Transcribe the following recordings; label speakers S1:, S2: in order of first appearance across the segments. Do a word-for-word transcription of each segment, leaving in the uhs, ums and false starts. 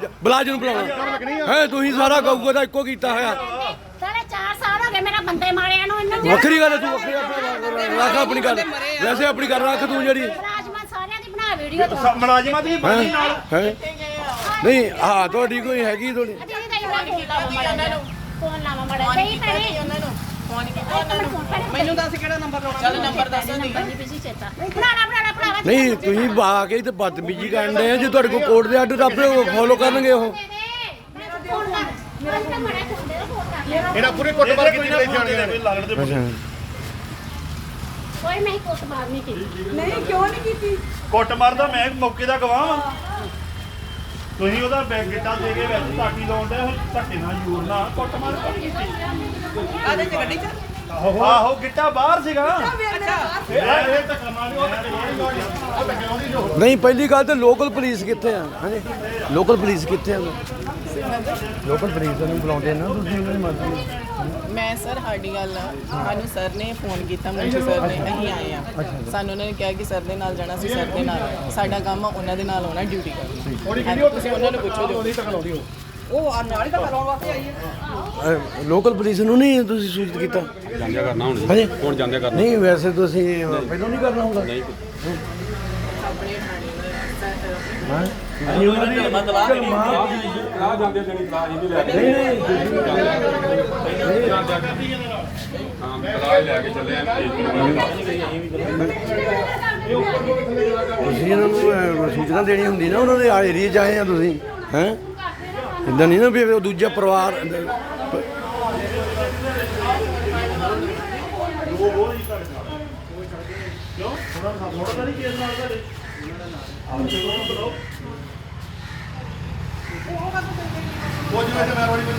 S1: ਬਲਾਜ ਨੂੰ ਬੁਲਾਉਣਾ ਹੈ ਤੁਸੀਂ ਸਾਰਾ ਗਊਗਾ ਦਾ ਇੱਕੋ ਕੀਤਾ ਹੋਇਆ
S2: ਸਾਲੇ ਚਾਰ ਸਾਲ ਹੋ ਗਏ ਮੇਰਾ ਬੰਦੇ ਮਾਰਿਆ ਨੂੰ ਇਹਨਾਂ
S1: ਵੱਖਰੀ ਗੱਲ ਤੂੰ ਵੱਖਰੀ ਰੱਖ ਆਪਣੀ ਗੱਲ ਵੈਸੇ ਆਪਣੀ ਗੱਲ ਰੱਖ ਤੂੰ ਜਿਹੜੀ
S2: ਮੁਲਾਜ਼ਮਾਂ ਸਾਰਿਆਂ ਦੀ ਬਣਾ ਵੀਡੀਓ ਤੂੰ
S3: ਮੁਲਾਜ਼ਮਾਂ ਦੀ ਬਣੀ ਨਾਲ
S1: ਹੈ ਨਹੀਂ ਹਾਂ ਤੁਹਾਡੀ ਕੋਈ ਹੈਗੀ ਤੁਹਾਡੀ
S2: ਫੋਨ ਲਾਵਾ ਮੜਾ ਸਹੀ ਭੈਣੇ ਉਹਨਾਂ ਨੂੰ ਫੋਨ ਕੀਤਾ ਉਹਨਾਂ ਨੂੰ
S4: ਮੈਨੂੰ ਦੱਸ ਕਿਹੜਾ ਨੰਬਰ ਲਾਉਣਾ ਚੱਲ ਨੰਬਰ ਦੱਸ ਦੀ
S2: ਬਣਾਣਾ ਬਣਾਣਾ ਬਣਾਵਾ
S1: ਨਹੀਂ ਤੁਸੀਂ ਬਾ ਕੇ ਤੇ ਬਦਤਮੀਜੀ ਕਰਨ ਦੇ ਜੇ ਤੁਹਾਡੇ ਕੋਲ ਕੋਰਟ ਦੇ ਆਰਡਰ ਆਪੇ ਫੋਲੋ ਕਰਨਗੇ ਉਹ
S3: ਇਹਨਾਂ ਪੂਰੀ ਕੁੱਟਮਾਰ ਕੀਤੀ ਗਈ ਜਾਣੀਆਂ ਨੇ
S2: ਕੋਈ ਮੈਂ ਕੋਟ ਮਾਰ ਨਹੀਂ ਕੀਤੀ
S4: ਨਹੀਂ ਕਿਉਂ ਨਹੀਂ ਕੀਤੀ
S3: ਕੁੱਟਮਾਰ ਦਾ ਮੈਂ ਮੌਕੇ ਦਾ ਗਵਾਹ ਵਾਂ ਤੁਸੀਂ ਉਹਦਾ ਬੈਗ ਗਿੱਟਾ ਦੇ ਕੇ ਵਿੱਚ ਤਾਕੀ ਲਾਉਂਦੇ ਹੋ ਧੱਕੇ ਨਾਲ ਜ਼ੋਰ ਨਾਲ ਕੁੱਟਮਾਰ ਕੀਤੀ
S4: ਆਦੇ ਚ ਗੱਡੀ ਚ
S3: ਆਹੋ ਗਿੱਟਾ ਬਾਹਰ ਸੀਗਾ
S4: ਅੱਛਾ
S3: ਇਹ ਇਹ ਧੱਕਾ ਮਾਰੀ ਉਹ ਧੱਕੇ ਲਾਉਂਦੀ ਉਹ ਧੱਕੇ ਲਾਉਂਦੀ ਜੋ
S1: ਨਹੀਂ ਪਹਿਲੀ ਗੱਲ ਤੇ ਲੋਕਲ ਪੁਲਿਸ ਕਿੱਥੇ ਆ ਹਾਂਜੀ ਲੋਕਲ ਪੁਲਿਸ ਕਿੱਥੇ ਆ ਲੋਕਲ ਪੁਲਿਸ ਨੂੰ ਬੁਲਾਉਂਦੇ ਨਾ ਤੁਸੀਂ ਉਹਨਾਂ ਦੀ ਮਦਦ
S4: ਮੈਂ ਸਰ ਸਾਡੀ ਗੱਲ ਆ ਸਾਨੂੰ ਸਰ ਨੇ ਫੋਨ ਕੀਤਾ ਮੁੰਸ਼ੀ ਸਰ ਨੇ ਅਸੀਂ ਆਏ ਆ ਸਾਨੂੰ ਉਹਨਾਂ ਨੇ ਕਿਹਾ ਕਿ ਸਰ ਦੇ ਨਾਲ ਜਾਣਾ ਸੀ ਸਰ ਦੇ ਨਾਲ ਸਾਡਾ ਕੰਮ ਆ ਉਹਨਾਂ ਦੇ ਨਾਲ ਆਉਣਾ ਡਿਊਟੀ ਕਰਨੀ ਤੁਸੀਂ ਉਹਨਾਂ ਨੂੰ ਪੁੱਛੋ ਜੋ
S3: ਧੱਕਾ ਲਾਉਂਦੀ ਉਹ
S4: ਉਹ ਨਾਲ ਹੀ ਤਾਂ ਕਰਾਉਣ ਵਾਸਤੇ ਆਈ ਹੈ
S1: ਲੋਕਲ ਪੁਲਿਸ ਨੂੰ ਨਹੀਂ ਤੁਸੀਂ ਸੂਚਿਤ ਕੀਤਾ
S5: ਜਾਂਦਿਆ ਕਰਨਾ ਹੁਣ
S1: ਹਾਂਜੀ
S5: ਹੁਣ ਜਾਂਦਿਆ ਕਰਨਾ
S1: ਨਹੀਂ ਵੈਸੇ ਤੁਸੀਂ ਪਹਿਲਾਂ ਨਹੀਂ ਕਰਨਾ ਹੁੰਦਾ
S5: ਨਹੀਂ
S4: ਆਪਣੇ ਥਾਣੇ
S1: ਹਾਂ
S5: ਅਸੀਂ ਉਹਨਾਂ ਦੀ ਆ ਜਾਂਦੇ ਜਣੀ ਕਲਾਸ ਇਹਨੂੰ ਲੈ ਕੇ ਹਾਂ ਕਲਾਸ ਲੈ ਕੇ ਚੱਲੇ ਆ
S1: ਤੁਸੀਂ ਇਹਨਾਂ ਨੂੰ ਸੂਚਨਾ ਦੇਣੀ ਹੁੰਦੀ ਨਾ ਉਹਨਾਂ ਦੇ ਏਰੀਏ 'ਚ ਆਏ ਆ ਤੁਸੀਂ ਹੈ ਇੱਦਾਂ ਨਹੀਂ ਨਾ ਵੀ ਉਹ ਦੂਜਾ ਪਰਿਵਾਰ
S3: ਉਹ ਜਿਵੇਂ ਮੈਂ ਰੋੜੀ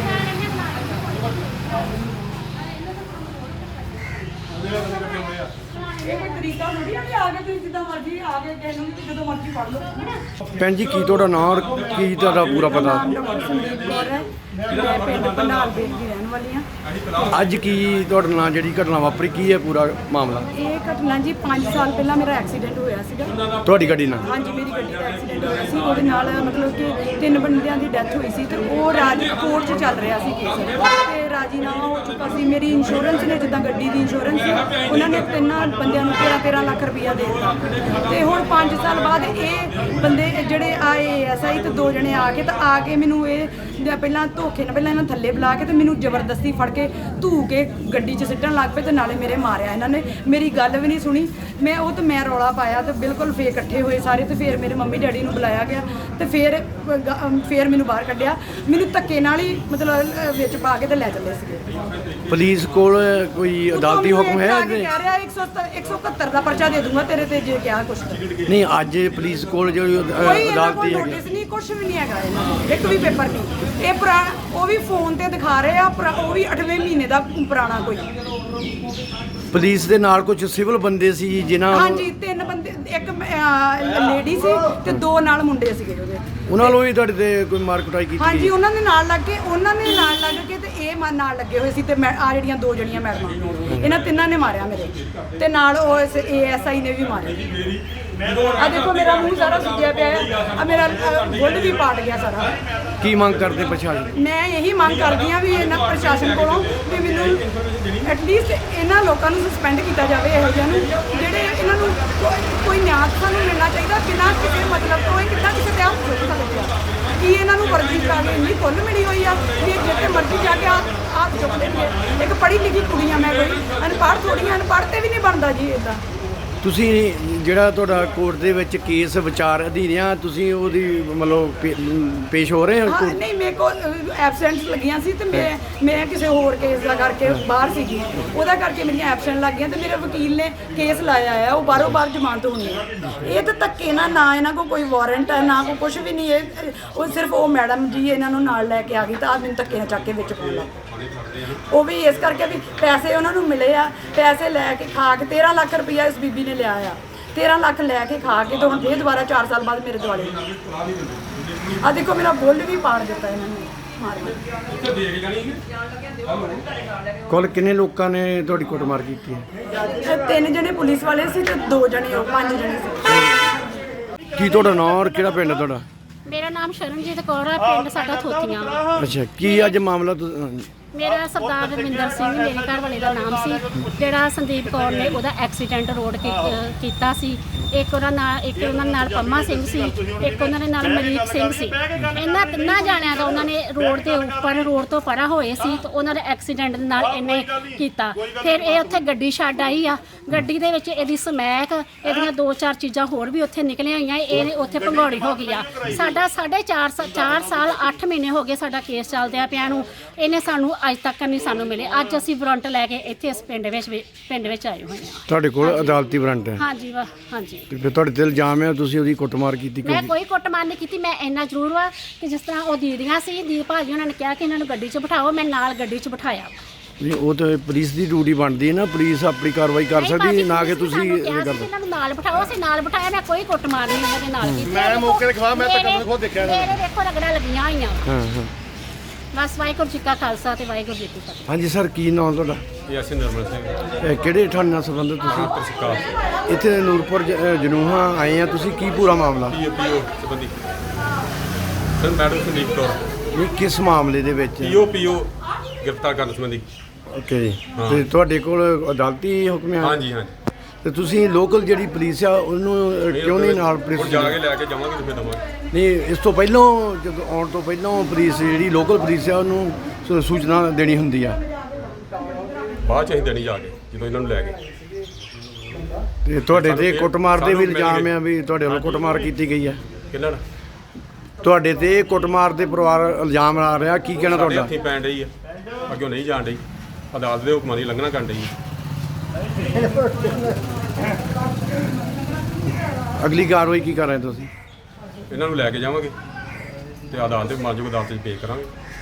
S4: ਇਹ ਕੋਈ ਤਰੀਕਾ ਥੋੜੀ ਆ ਕਿ ਆ ਕੇ ਤੁਸੀਂ ਜਿੱਦਾਂ ਮਰਜ਼ੀ ਆ ਕੇ ਕਿਸੇ ਨੂੰ ਵੀ ਜਦੋਂ ਮਰਜ਼ੀ ਫੜ ਲਓ
S1: ਭੈਣ ਜੀ ਕੀ ਤੁਹਾਡਾ ਨਾਂ ਔਰ ਕੀ ਤੁਹਾਡਾ ਪੂਰਾ ਪਤਾ
S4: ਸੰਦੀਪ ਕੌਰ ਹੈ ਮੈਂ ਪਿੰਡ ਪੰਡਾਲ ਬੇਲ ਦੀ ਰਹਿਣ ਵਾਲੀ ਹਾਂ
S1: ਅੱਜ ਕੀ ਤੁਹਾਡੇ ਨਾਲ ਜਿਹੜੀ ਘਟਨਾ ਵਾਪਰੀ ਕੀ ਹੈ ਪੂਰਾ ਮਾਮਲਾ
S4: ਇਹ ਘਟਨਾ ਜੀ ਪੰਜ ਸਾਲ ਪਹਿਲਾਂ ਮੇਰਾ ਐਕਸੀਡੈਂਟ ਹੋਇਆ ਸੀਗਾ
S1: ਤੁਹਾਡੀ ਗੱਡੀ ਨਾਲ
S4: ਹਾਂਜੀ ਮੇਰੀ ਗੱਡੀ ਦਾ ਐਕਸੀਡੈਂਟ ਹੋਇਆ ਸੀ ਉਹਦੇ ਨਾਲ ਮਤਲਬ ਕਿ ਤਿੰਨ ਬੰਦਿਆਂ ਦੀ ਡੈਥ ਹੋਈ ਸੀ ਤੇ ਉਹ ਰਾਜ ਕੋਰਟ 'ਚ ਚੱਲ ਰਿਹਾ ਸੀ ਕੇਸ ਤੇ ਰਾਜੀਨਾਮਾ ਹੋ ਚੁੱਕਾ ਸੀ ਮੇਰੀ ਇੰਸ਼ੋਰੈਂਸ ਨੇ ਜਿੱਦਾਂ ਗੱਡੀ ਦੀ ਇੰਸ਼ੋਰੈਂਸ ਸੀ ਉਹਨਾਂ ਨੇ ਤਿੰਨਾਂ ਬੰਦਿਆਂ ਨੂੰ ਤੇਰਾਂ ਤੇਰਾਂ ਲੱਖ ਰੁਪਈਆ ਦੇ ਦਿੱਤਾ ਤੇ ਹੁਣ ਪੰਜ ਸਾਲ ਬਾਅਦ ਇਹ ਬੰਦੇ ਜਿਹੜੇ ਆਏ ਐਸ ਆਈ ਤੇ ਦੋ ਜਣੇ ਆ ਕੇ ਤਾਂ ਆ ਕੇ ਮੈਨੂੰ ਇਹ ਪਹਿਲਾਂ ਧੋਖੇ ਨਾਲ ਪਹਿਲਾਂ ਇਹਨਾਂ ਥੱਲੇ ਬੁਲਾ ਕੇ ਤੇ ਮੈਨੂੰ ਜ਼ਬਰਦਸਤੀ ਫੜ ਕੇ ਧੂ ਕੇ ਗੱਡੀ 'ਚ ਸਿੱਟਣ ਲੱਗ ਪਏ ਤੇ ਨਾਲੇ ਮੇਰੇ ਮਾਰਿਆ ਇਹਨਾਂ ਨੇ ਮੇਰੀ ਗੱਲ ਵੀ ਨਹੀਂ ਸੁਣੀ ਮੈਂ ਉਹ ਤੇ ਮੈਂ ਰੌਲਾ ਪਾਇਆ ਤੇ ਬਿਲਕੁਲ ਫੇਰ ਇਕੱਠੇ ਹੋਏ ਸਾਰੇ ਤੇ ਫਿਰ ਮੇਰੇ ਮੰਮੀ ਡੈਡੀ ਨੂੰ ਬੁਲਾਇਆ ਗਿਆ ਤੇ ਫਿਰ ਫਿਰ ਮੈਨੂੰ ਬਾਹਰ ਕੱਢਿਆ ਮੈਨੂੰ ਧੱਕੇ ਨਾਲ ਹੀ ਮਤਲਬ ਵਿੱਚ ਪਾ ਕੇ ਤੇ ਲੈ ਚੱਲੇ ਸੀਗੇ
S1: ਪੁਲਿਸ ਕੋਲ ਕੋਈ ਅਦਾਲਤੀ ਹੁਕਮ ਹੈ
S4: ਕਹਿ ਰਿਹਾ ਇੱਕ ਸੌ ਇਕਹੱਤਰ ਦਾ ਪਰਚਾ ਦੇ ਦੂੰਗਾ ਤੇਰੇ ਤੇ ਜੇ ਕਿਹਾ ਕੁਛ
S1: ਨਹੀਂ ਅੱਜ ਪੁਲਿਸ ਕੋਲ ਜਿਹੜੀ
S4: ਕੋਈ
S1: ਅਦਾਲਤੀ ਹੈਗੀ
S4: ਨੋਟਿਸ ਨਹੀਂ ਕੁਛ ਵੀ ਨਹੀਂ ਹੈਗਾ ਇਹਨਾਂ ਕੋਲ ਇੱਕ ਵੀ ਪੇਪਰ ਨਹੀਂ ਇਹ ਪੁਰਾਣਾ ਉਹ ਵੀ ਫੋਨ ਤੇ ਦਿਖਾ ਰਹੇ ਆ ਉਹ ਵੀ ਅੱਠਵੇਂ ਮਹੀਨੇ ਦਾ ਪੁਰਾਣਾ ਕੋਈ
S1: ਪੁਲਿਸ ਦੇ ਨਾਲ ਕੁਝ ਸਿਵਲ ਬੰਦੇ ਸੀ ਜਿਨ੍ਹਾਂ
S4: ਹਾਂਜੀ ਤਿੰਨ ਬੰਦੇ ਇੱਕ ਲੇਡੀ ਸੀ ਤੇ ਦੋ ਨਾਲ ਮੁੰਡੇ ਸੀਗੇ ਉਹਦੇ
S1: ਉਹਨਾਂ ਨੂੰ ਵੀ ਤੁਹਾਡੇ ਤੇ ਕੋਈ ਮਾਰ ਕੁਟਾਈ ਕੀਤੀ
S4: ਹਾਂਜੀ ਉਹਨਾਂ ਦੇ ਨਾਲ ਲੱਗ ਕੇ ਉਹਨਾਂ ਨੇ ਨਾਲ ਲੱਗ ਕੇ ਤੇ ਇਹ ਮਨ ਨਾਲ ਲੱਗੇ ਹੋਏ ਸੀ ਤੇ ਮੈਂ ਆ ਜਿਹੜੀਆਂ ਦੋ ਜਣੀਆਂ ਮੈਡਮਾਂ ਇਹਨਾਂ ਤਿੰਨਾਂ ਨੇ ਮਾਰਿਆ ਮੇਰੇ ਤੇ ਨਾਲ ਉਹ ਏ ਐਸ ਆਈ ਨੇ ਵੀ ਮਾਰਿਆ ਆ ਦੇਖੋ ਮੇਰਾ ਮੂੰਹ ਸਾਰਾ ਸੁੱਜਿਆ ਪਿਆ ਹੈ ਆ ਮੇਰਾ ਬੁੱਲ ਵੀ ਪਾਟ ਗਿਆ ਸਾਰਾ
S1: ਕੀ ਮੰਗ ਕਰਦੇ ਪ੍ਰਸ਼ਾਸਨ
S4: ਮੈਂ ਇਹੀ ਮੰਗ ਕਰਦੀ ਆ ਵੀ ਇਹਨਾਂ ਪ੍ਰਸ਼ਾਸਨ ਕੋਲੋਂ ਵੀ ਮੈਨੂੰ ਐਟਲੀਸਟ ਇਹਨਾਂ ਲੋਕਾਂ ਨੂੰ ਸਸਪੈਂਡ ਕੀਤਾ ਜਾਵੇ ਇਹੋ ਜਿਹਿਆਂ ਨੂੰ ਜਿਹੜੇ ਇਹਨਾਂ ਨੂੰ ਕੋਈ ਨਿਆਂ ਸਾਨੂੰ ਮਿਲਣਾ ਚਾਹੀਦਾ ਬਿਨਾਂ ਕਿਸੇ ਮਤਲਬ ਤੋਂ ਇਹ ਕਿੱਦਾਂ ਕਿਸੇ ਤੇ ਹੱਥ ਚੁੱਕ ਸਕਦੇ ਆ ਕੀ ਇਹਨਾਂ ਨੂੰ ਵਰਜੀ ਕਰਾ ਕੇ ਇੰਨੀ ਖੁੱਲ੍ਹ ਮਿਲੀ ਹੋਈ ਆ ਕਿ ਜਿੱਥੇ ਮਰਜ਼ੀ ਜਾ ਕੇ ਹੱਥ ਚੁੱਕ ਲੈਣਗੇ ਇੱਕ ਪੜ੍ਹੀ ਲਿਖੀ ਕੁੜੀ ਆ ਮੈਂ ਕੋਈ ਅਨਪੜ੍ਹ ਥੋੜ੍ਹੀਆਂ ਅਨਪੜ੍ਹ ਤੇ ਵੀ ਨਹੀਂ ਬਣਦਾ ਜੀ ਇੱਦਾਂ
S1: ਤੁਸੀਂ ਜਿਹੜਾ ਤੁਹਾਡਾ ਕੋਰਟ ਦੇ ਵਿੱਚ ਕੇਸ ਵਿਚਾਰ ਅਧੀਨ ਆ ਤੁਸੀਂ ਉਹਦੀ ਮਤਲਬ ਪੇਸ਼ ਹੋ ਰਹੇ ਹੋ
S4: ਹਾਂ ਨਹੀਂ ਮੇਰੇ ਕੋਲ ਐਬਸੈਂਟ ਲੱਗੀਆਂ ਸੀ ਤੇ ਮੈਂ ਮੈਂ ਕਿਸੇ ਹੋਰ ਕੇਸ ਦਾ ਕਰਕੇ ਬਾਹਰ ਸੀਗੀ ਉਹਦਾ ਕਰਕੇ ਮੇਰੀਆਂ ਐਬਸੈਂਟ ਲੱਗ ਗਈਆਂ ਤੇ ਮੇਰੇ ਵਕੀਲ ਨੇ ਕੇਸ ਲਾਇਆ ਆ ਉਹ ਬਾਹਰੋਂ ਬਾਹਰ ਜ਼ਮਾਨਤ ਹੋਣੀ ਹੈ ਇਹ ਤਾਂ ਧੱਕੇ ਨਾ ਨਾ ਇਹਨਾਂ ਕੋਲ ਕੋਈ ਵਾਰੰਟ ਹੈ ਨਾ ਕੋਈ ਕੁਝ ਵੀ ਨਹੀਂ ਇਹ ਉਹ ਸਿਰਫ ਉਹ ਮੈਡਮ ਜੀ ਇਹਨਾਂ ਨੂੰ ਨਾਲ ਲੈ ਕੇ ਆ ਗਈ ਤਾਂ ਆ ਮੈਨੂੰ ਧੱਕੇ ਨਾਲ ਚੱਕ ਕੇ ਵਿੱਚ ਪਾਉਣਾ ਉਹ ਵੀ ਇਸ ਕਰਕੇ ਵੀ ਪੈਸੇ ਉਹਨਾਂ ਨੂੰ ਮਿਲੇ ਆ ਪੈਸੇ ਲੈ ਕੇ ਖਾ ਕੇ ਤੇਰਾਂ ਲੱਖ ਰੁਪਈਆ ਇਸ ਬੀਬੀ ਨੇ ਲਿਆ ਆ ਤੇਰਾਂ ਲੱਖ ਲੈ ਕੇ ਖਾ ਕੇ ਤੇ ਹੁਣ ਫੇਰ ਦੁਬਾਰਾ ਚਾਰ ਸਾਲ ਬਾਅਦ ਮੇਰੇ ਦੁਆਲੇ ਆ ਦੇਖੋ ਮੇਰਾ ਬੁੱਲ ਵੀ ਪਾੜ ਦਿੱਤਾ ਇਹਨਾਂ ਨੇ ਮਾਰ ਕੇ
S1: ਕੁੱਲ ਕਿੰਨੇ ਲੋਕਾਂ ਨੇ ਤੁਹਾਡੀ ਕੁੱਟਮਾਰ ਕੀਤੀ ਹੈ
S4: ਤਿੰਨ ਜਣੇ ਪੁਲਿਸ ਵਾਲੇ ਸੀ ਤੇ ਦੋ ਜਣੇ ਉਹ ਪੰਜ ਜਣੇ ਸੀ
S1: ਕੀ ਤੁਹਾਡਾ ਨਾਂ ਔਰ ਕਿਹੜਾ ਪਿੰਡ ਤੁਹਾਡਾ
S2: ਮੇਰਾ ਨਾਮ ਸ਼ਰਨਜੀਤ ਕੌਰ ਹੈ, ਪਿੰਡ ਸਾਡਾ ਥੋਥੀਆਂ ਵਾ।
S1: ਅੱਛਾ ਕੀ ਅੱਜ ਮਾਮਲਾ ਤੁ-
S2: ਮੇਰਾ ਸਰਦਾਰ ਰਵਿੰਦਰ ਸਿੰਘ ਮੇਰੇ ਘਰ ਵਾਲੇ ਦਾ ਨਾਮ ਸੀ, ਜਿਹੜਾ ਸੰਦੀਪ ਕੌਰ ਨੇ ਉਹਦਾ ਐਕਸੀਡੈਂਟ ਰੋਡ ਕੀ- ਅਹ ਕੀਤਾ ਸੀ। ਇੱਕ ਉਹਨਾਂ ਨਾਲ ਇੱਕ ਉਹਨਾਂ ਨਾਲ ਪੰਮਾ ਸਿੰਘ ਸੀ, ਇੱਕ ਉਹਨਾਂ ਦੇ ਨਾਲ ਮਰੀਕ ਸਿੰਘ ਸੀ। ਇਹਨਾਂ ਤਿੰਨਾਂ ਜਾਣਿਆਂ ਦਾ ਉਹਨਾਂ ਨੇ ਰੋਡ ਦੇ ਉੱਪਰ ਰੋਡ ਤੋਂ ਪਰਾਂ ਹੋਏ ਸੀ ਤੇ ਉਹਨਾਂ ਦੇ ਐਕਸੀਡੈਂਟ ਦੇ ਨਾਲ ਇਹਨੇ ਕੀਤਾ। ਫਿਰ ਇਹ ਉੱਥੇ ਗੱਡੀ ਛੱਡ ਆਈ ਆ, ਗੱਡੀ ਦੇ ਵਿੱਚ ਇਹਦੀ ਸਮੈਕ, ਇਹਦੀਆਂ ਦੋ ਚਾਰ ਚੀਜ਼ਾਂ ਹੋਰ ਵੀ ਉੱਥੇ ਨਿਕਲੀਆਂ ਹੋਈਆਂ। ਇਹ ਉੱਥੇ ਭੰਗੌੜੀ ਹੋ ਗਈ ਆ। ਸਾਡਾ ਸਾਢੇ ਚਾਰ ਸਾ- ਚਾਰ ਸਾਲ ਅੱਠ ਮਹੀਨੇ ਹੋ ਗਏ ਸਾਡਾ ਕੇਸ ਚੱਲਦਿਆਂ ਪਿਆ ਨੂੰ, ਇਹਨੇ ਸਾਨੂੰ ਅੱਜ ਤੱਕ ਨਹੀਂ ਸਾਨੂੰ ਮਿਲੇ। ਅੱਜ ਅਸੀਂ ਵਾਰੰਟ ਲੈ ਕੇ ਇੱਥੇ ਇਸ ਪਿੰਡ ਵਿੱਚ ਵੀ- ਪਿੰਡ ਵਿੱਚ ਆਏ ਹੋਏ ਹਾਂ।
S1: ਤੁਹਾਡੇ ਕੋਲ ਅਦਾਲਤੀ ਵਾਰੰਟ ਹੈ
S2: ਹਾਂਜੀ ਵਾ ਹਾਂਜੀ।
S1: ਤੇ ਫਿਰ ਤੁਹਾਡੇ ਤੇ ਇਲਜ਼ਾਮ ਹੈ ਤੁਸੀਂ ਉਹਦੀ ਕੁੱਟਮਾਰ ਕੀਤੀ
S2: ਮੈਂ
S1: ਕਿਉਂ?
S2: ਕੋਈ ਕੁੱਟਮਾਰ ਨਹੀਂ ਕੀਤੀ। ਮੈਂ ਇੰਨਾ ਜ਼ਰੂਰ ਵਾ ਕਿ ਜਿਸ ਤਰ੍ਹਾਂ ਉਹ ਦੀਦੀਆਂ ਸੀ, ਦੀਪ ਭਾਜੀ ਉਹਨਾਂ ਨੇ ਕਿਹਾ ਕਿ ਇਹਨਾਂ ਨੂੰ ਗੱਡੀ 'ਚ ਬਿਠਾਓ, ਮੈਂ ਨਾਲ ਗੱਡੀ 'ਚ ਬਿਠਾਇਆ।
S1: ਨਹੀਂ ਉਹ ਤਾਂ ਪੁਲਿਸ ਦੀ ਡਿਊਟੀ ਬਣਦੀ ਹੈ ਨਾ, ਪੁਲਿਸ ਆਪਣੀ ਕਾਰਵਾਈ ਕਰ
S2: ਨਹੀਂ
S1: ਸਕਦੀ
S2: ਭਾਜੀ,
S1: ਹੈ, ਨਾ ਕਿ
S2: ਤੁਸੀਂ
S1: ਤੁਸੀਂ
S2: ਸਾਨੂੰ
S1: ਇਹ
S2: ਕਿਹਾ ਸੀ
S1: ਕਰਦੇ।
S2: ਕਿ ਇਹਨਾਂ ਨੂੰ ਨਾਲ ਬਿਠਾਓ, ਅਸੀਂ ਨਾਲ ਬਿਠਾਇਆ। ਮੈਂ ਕੋਈ ਕੁੱਟਮਾਰ ਨਹੀਂ ਇਹਨਾਂ ਦੇ ਨਾਲ ਕੀਤੀ।
S3: ਮੈਂ ਮੌਕੇ ਤੇ ਖਵਾ, ਮੈਂ ਤਾਂ ਕਦੇ ਖੁਦ ਦੇਖਿਆ ਨਹੀਂ।
S2: ਮੇਰੇ ਦੇਖੋ ਰਗੜਾ ਲੱਗੀਆਂ ਹੋਈਆਂ।
S1: ਹਾਂ ਹਾਂ
S2: ਬਸ ਵਾਹਿਗੁਰੂ ਜੀ ਕਾ ਖਾਲਸਾ ਤੇ ਵਾਹਿਗੁਰੂ ਜੀ ਕੀ ਫਤਿਹ।
S1: ਹਾਂਜੀ ਸਰ ਕੀ ਨਾਮ ਤੁਹਾਡਾ?
S5: ਇਹ ਅਸੀਂ ਨਿਰਮਲ ਸਿੰਘ
S1: ਇਹ ਕਿਹੜੇ ਥਾਣੇ ਨਾਲ ਸੰਬੰਧਿਤ ਤੁਸੀਂ?
S5: ਪ੍ਰਸਿਕਾ
S1: ਇੱਥੇ ਨੂਰਪੁਰ ਜ- ਅ, ਜਨੂਹਾ ਆਏ ਆ ਤੁਸੀਂ, ਕੀ ਪੂਰਾ ਮਾਮਲਾ?
S5: ਪੀਓ ਪੀਓ ਸੰਬੰਧੀ ਸਰ ਮੈਡਮ ਸੰਦੀਪ ਕੌਰ
S1: ਨਹੀਂ ਕਿਸ ਮਾਮਲੇ ਦੇ ਵਿੱਚ?
S5: ਪੀਓ ਪੀਓ ਗ੍ਰਿਫਤਾਰ ਕਰਨ ਸੰਬੰਧੀ।
S1: ਓਕੇ ਜੀ।
S5: ਹਾਂ।
S1: ਤੇ ਤੁਹਾਡੇ ਕੋਲ ਅਦਾਲਤੀ ਹੁਕਮ ਹੈ?
S5: ਹਾਂਜੀ ਹਾਂਜੀ
S1: ਤੇ ਤੁਸੀਂ ਲੋਕਲ ਜਿਹੜੀ ਪੁਲਿਸ ਆ ਉਹਨੂੰ ਅ, ਕਿਉਂ ਨਹੀਂ ਨਾਲ
S5: ਹੁਣ
S1: ਪੁਲਿਸ?
S5: ਜਾ ਕੇ ਲੈ ਕੇ ਜਾਵਾਂਗੇ ਤੇ ਫਿਰ ਦਵਾਂਗੇ।
S1: ਨਹੀਂ ਇਸ ਤੋਂ ਪਹਿਲਾਂ ਜਦੋਂ ਆਉਣ ਤੋਂ ਪਹਿਲਾਂ ਪੁਲਿਸ ਜਿਹੜੀ ਲੋਕਲ ਪੁਲਿਸ ਆ ਉਹਨੂੰ ਸੂ- ਸੂਚਨਾ ਦੇਣੀ ਹੁੰਦੀ ਆ।
S5: ਬਾਅਦ ਚ ਅਸੀਂ ਦੇਣੀ ਜਾ ਕੇ ਜਦੋਂ ਇਹਨਾਂ ਨੂੰ ਲੈ ਗਏ।
S1: ਤੇ ਤੁਹਾਡੇ ਤੇ
S5: ਸਾਨੂੰ
S1: ਕੁੱਟਮਾਰ ਦੇ ਵੀ
S5: ਸਾਨੂੰ ਮਿਲ
S1: ਇਲਜ਼ਾਮ
S5: ਗਏ।
S1: ਆ ਵੀ ਤੁਹਾਡੇ ਵੱਲੋਂ ਕੁੱਟਮਾਰ ਕੀਤੀ ਗਈ ਹੈ।
S5: ਕਿੰਨਾ ਨਾ
S1: ਤੁਹਾਡੇ ਤੇ ਕੁੱਟਮਾਰ ਦੇ ਪਰਿਵਾਰ ਇਲਜ਼ਾਮ ਆ ਰਿਹਾ, ਕੀ ਕਹਿਣਾ
S5: ਸਾਡੇ
S1: ਤੁਹਾਡਾ?
S5: ਹੱਥੀਂ ਪੈਣ ਡਈ ਆ, ਅੱਗੇ ਨਹੀਂ ਜਾਣ ਡਈ, ਅਦਾਲਤ ਦੇ ਹੁਕਮਾਂ ਦੀ ਲੰਘਣਾ ਕਰਨ ਡਈ ਆ।
S1: ਅਗਲੀ ਕਾਰਵਾਈ ਕੀ ਕਰ ਰਹੇ ਤੁਸੀਂ?
S5: ਇਹਨਾਂ ਨੂੰ ਲੈ ਕੇ ਜਾਵਾਂਗੇ ਤੇ ਅਦਾਲਤ ਦੇ ਮਾਜੂਗ ਅਦਾਲਤ 'ਚ ਪੇਸ਼ ਕਰਾਂਗੇ।